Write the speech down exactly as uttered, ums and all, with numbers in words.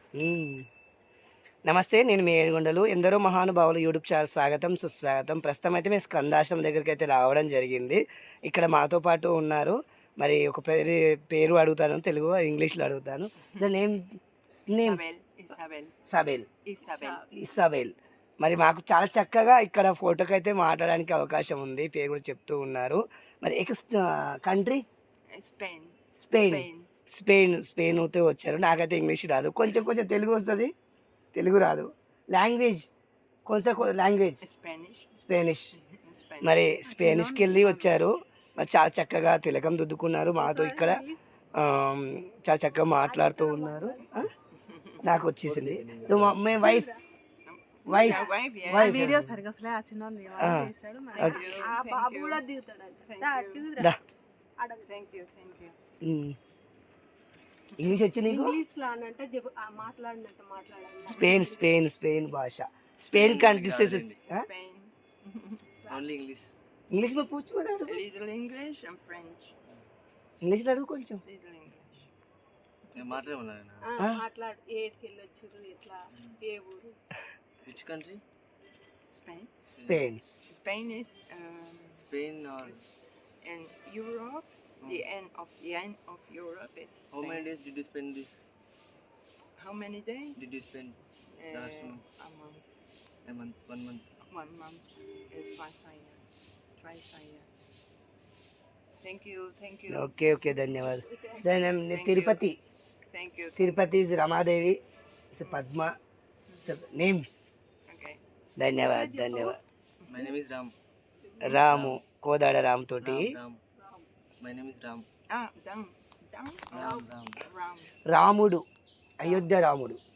నమస్తే, నేను మీ ఏడుగొండలు. ఎందరో మహానుభావులు యూట్యూబ్ ఛానల్ స్వాగతం సుస్వాగతం. ప్రస్తుతం అయితే మేము స్కందాశ్రమం దగ్గరికి అయితే రావడం జరిగింది. ఇక్కడ మాతో పాటు ఉన్నారు. మరి ఒక పేరు పేరు అడుగుతాను, తెలుగు ఇంగ్లీష్లో అడుగుతాను. ద నేమ్ నేమ్ సబెల్ ఇసాబెల్. మరి మాకు చాలా చక్కగా ఇక్కడ ఫోటోకి అయితే మాట్లాడడానికి అవకాశం ఉంది. పేరు కూడా చెప్తూ ఉన్నారు. మరి ex country Spain Spain Spain స్పెయిన్తో వచ్చారు. నాకైతే ఇంగ్లీష్ రాదు, కొంచెం కొంచెం తెలుగు వస్తుంది, తెలుగు రాదు. లాంగ్వేజ్ కొంచెం లాంగ్వేజ్ స్పానిష్. మరి స్పానిష్కి వెళ్ళి వచ్చారు. మరి చాలా చక్కగా తిలకం దిద్దుకున్నారు మాతో. ఇక్కడ చాలా చక్కగా మాట్లాడుతూ ఉన్నారు. నాకు వచ్చేసింది my wife wife wife video సరిగా అసలే ఆ చిన్న ఇంగ్లీష్ వచ్చి నీకు? స్పెయిన్ స్పెయిన్ స్పెయిన్ భాష స్పెయిన్ కంట్రీ इंग्लिश इंग्लिश में पूछ little English and French. English లో అడుగు కొంచెం. Little English. నేను మాట్లాడమన్నాను. మాట్లాడు. ఏడికి వెళ్ళొచ్చారు ఇట్లా ఏ ఊరు? Which country? Spain. Spain. Spain is um, Spain or in Europe. The end of the end of Europe is Spain. How many days did you spend this? How many days? Did you spend Uh, last month? a month. A month, one month. One month. Uh, twice a year. Twice a year. Thank you. Thank you. Okay okay ధన్యవాదాలు. then Tirupati Thank you. Tirupati is Ramadevi, Padma names. Okay. ధన్యవాద్ ధన్యవాద్. My name is Ram. Ramu Kodada Ram తోటి. Ram. My name is Ram. Ah, Dam. Dam. Ram. Ram. Ram. రాముడు, అయోధ్య రాముడు.